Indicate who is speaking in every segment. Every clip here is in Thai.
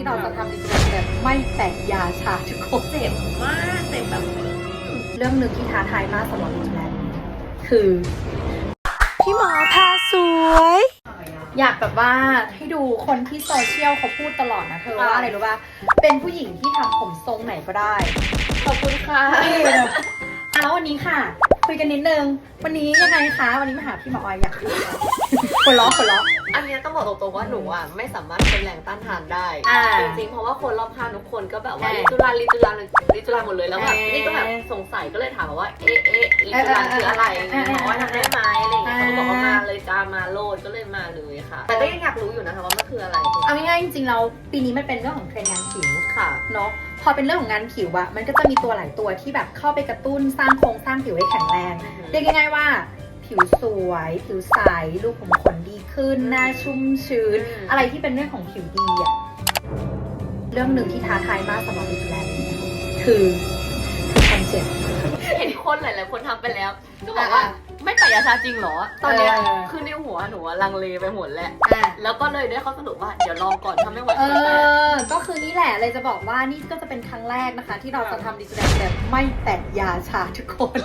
Speaker 1: ที่เราจะทำในตัวแบบไม่แตกยาชาทุกคนเจ็บมากเจ็บแบบเรื่องหนึ่งที่ท้าทายมากสำหรับดิฉันคือ
Speaker 2: พี่หมอพาสวย
Speaker 1: อยากแบบว่าให้ดูคนที่โซเชียลเขาพูดตลอดนะเธอว่าอะไรรู้ป่ะเป็นผู้หญิงที่ทำผมทรงไหนก็ได้
Speaker 2: ขอบคุณค่ะ
Speaker 1: แล้ววันนี้ค่ะคุยกันนิดนึงวันนี้ยังไงคะวันนี้มาหาพี่หมอออยอยากคนล้อ
Speaker 2: อันนี้ต้องบอกตรงๆว่าหนูอ่ะไม่สามารถเป็นแรงต้านทานได้จริงๆเพราะว่าคนรอบข้างทุกคนก็แบบว่าลิจุลาหมดเลยแล้วแบบนี่ก็แบบสงสัยก็เลยถามว่าลิจุลาคืออะไรหมอว่าทำได้ไหมอะไรอย่างเงี้ยเขาบอกว่ามาเลยจ้ามาโลดก็เลยมาเลยค่ะแต่ก็ยังอยากรู้อยู่นะคะว่ามันคืออะไร
Speaker 1: เอาง่ายๆจริงๆเราปีนี้มันเป็นเรื่องของเทรนด์งานผิว
Speaker 2: ค่ะ
Speaker 1: เนาะพอเป็นเรื่องของงานผิวอะมันก็จะมีตัวหลายตัวที่แบบเข้าไปกระตุ้นสร้างโครงสร้างผิวให้แข็งแรงเรียกง่ายๆว่าผิวสวยผิวใสรูขุมขนดีขึ้นหน้าชุ่มชื้นอะไรที่เป็นเรื่องของผิวดีอะเรื่องหนึ่งที่ท้าทายมากสำหรับดิฉันคือความเจ็บ
Speaker 2: เห็นคนหลายๆคนทำไปแล้วก็บอกว่าไม่แต่ยาชาจริงเหรอตอนนี้คือในหัวหนูลังเลไปหมดแหละแล้วก็เลยได้ข้อสรุปว่าเดี๋ยวลองก่อนถ้าไม่ไหว
Speaker 1: ก็คือนี่แหละเลยจะบอกว่านี่ก็จะเป็นครั้งแรกนะคะที่เราจะทำดิจิทัลแบบไม่แตะยาชาทุกคน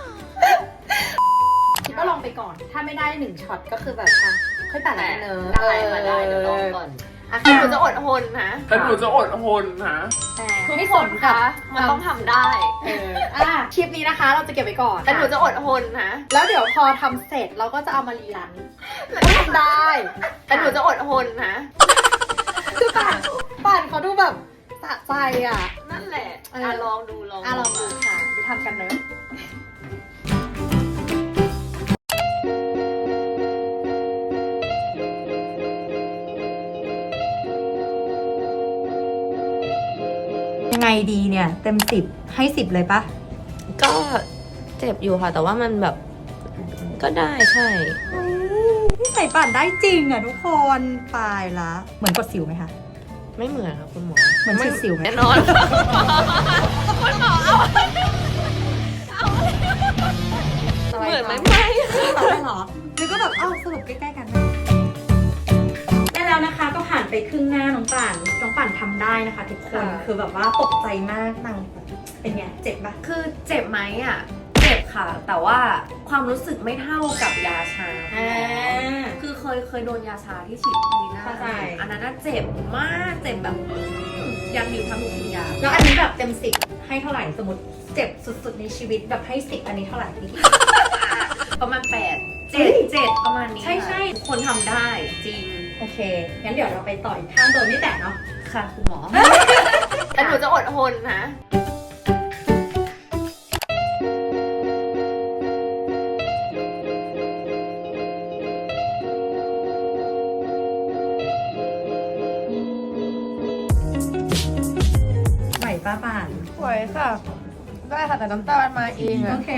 Speaker 1: คิดว่าลองไปก่อนถ้าไม่ได้1ช็อตก็คือแบบค่อยแตะแล้วเนอะ
Speaker 2: ได้เดี๋ยวลองก่อนแต่หนูจะอดทนนะ
Speaker 3: แต่หนูจะอดทนนะ
Speaker 1: ไม่สนค่ะ
Speaker 2: มันต้องทำได้
Speaker 1: คลิปนี้นะคะเราจะเก็บไว้ก่อน
Speaker 2: แต่หนูจะอดทนนะ
Speaker 1: แล้วเดี๋ยวพอทำเสร็จเราก็จะเอามารีรันทำได้
Speaker 2: แต่หนูจะอดทนนะ
Speaker 1: คือป่านเขาดูแบบสะใจอ่ะ
Speaker 2: นั่นแหละลองดู
Speaker 1: ลองดูค่ะไปทำกันเลยยังไงดีเนี่ยเต็ม10ให้10เลยปะ
Speaker 2: ก็เจ็บอยู่ค่ะแต่ว่ามันแบบก็ได้ใช่
Speaker 1: นี่ใส่ป่านได้จริงอ่ะทุกคนตายละเหมือนกดสิวไหมคะ
Speaker 2: ไม่เหมือนค่ะคุณหมอ
Speaker 1: เหมือนฉีดสิวไหม
Speaker 2: แน่นอนคุณหมอเอาเหมือนไหมไม่
Speaker 1: หรอหรือก็แบบสรุปใกล้ๆกันได้แล้วนะคะก็ผ่านไปครึ่งหน้าน้องป่านทำได้นะคะทุกคนคือแบบว่าตกใจมากนางเป็นไงเจ็บปะ
Speaker 2: คือเจ็บไหมอ่ะเจ็บค่ะแต่ว่าความรู้สึกไม่เท่ากับยาชาคือเคยโดนยาชาที่ฉีดที่หน้าอันนั้นเจ็บมากเจ็บแบบยันนิ้วทั้งทุกวิญญาณ
Speaker 1: แล้วอันนี้แบบเต็ม10ให้เท่าไหร่สมมติเจ็บสุดๆในชีวิตแบบให้10อันนี้เท่าไหร่พี่
Speaker 2: ประมาณ8 7ประมาณนี้
Speaker 1: ใช่
Speaker 2: คนทำได้จริง
Speaker 1: โอเคงั้นเดี๋ยวเราไปต่ออีกข้างโดนไม่แตะเนาะ
Speaker 2: ค่ะคุณหมอแต่หนูจะอดทนนะ
Speaker 1: ไหวป้าป่าน
Speaker 2: ไหวค่ะได้ค่ะแต่น้ำตาลมาเองอะ
Speaker 1: โอเค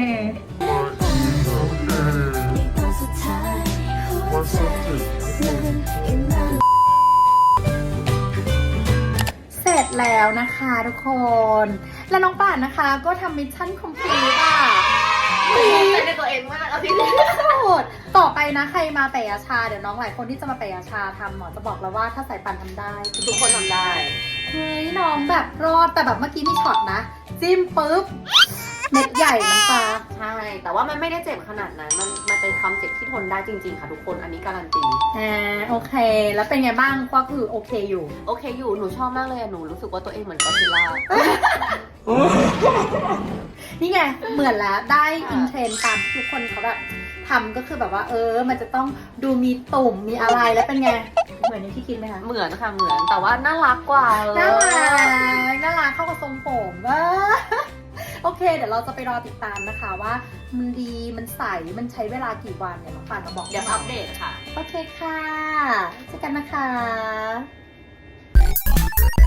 Speaker 1: เสร็จแล้วนะคะทุกคนและน้องป่านนะคะก็ทำมิชชั่นคอมพลีท
Speaker 2: ใจในตัวเองมากเอาที่สุ
Speaker 1: ดต่อไปนะใครมาแปะยาชาเดี๋ยวน้องหลายคนที่จะมาแปะยาชาทำหมอจะบอกแล้วว่าถ้าสายป่านทำได้
Speaker 2: ทุกคนทำได้
Speaker 1: เฮ้ยน้องแบบรอดแต่แบบเมื่อกี้มีช็อตนะจิ้มปุ๊บเม็ดใหญ่น้ำตา
Speaker 2: ใช่แต่ว่ามันไม่ได้เจ็บขนาดนั้นมันเป็นความเจ็บที่ทนได้จริงๆค่ะทุกคนอันนี้การันตี
Speaker 1: โอเคแล้วเป็นไงบ้างก็คือโอเคอยู่
Speaker 2: หนูชอบมากเลยหนูรู้สึกว่าตัวเองเหมือนก็อดซิลล่า
Speaker 1: นี่ไงเหมือนแล้วได้อินเทรนตามทุกคนเขาแบบทำก็คือแบบว่ามันจะต้องดูมีตุ่มมีอะไรแล้วเป็นไงเหมือนที่คิดไหมคะ
Speaker 2: เหมือนค่ะเหมือนแต่ว่าน่ารักกว่า
Speaker 1: น่ารักเข้ากับทรงผมโอเคเดี๋ยวเราจะไปรอติดตามนะคะว่ามันดีมันใสมันใช้เวลากี่วันเนี่ยน้องป่านมาบอก
Speaker 2: เดี๋ยวอัปเดตค่ะ
Speaker 1: โอเคค่ะเจอกันนะคะ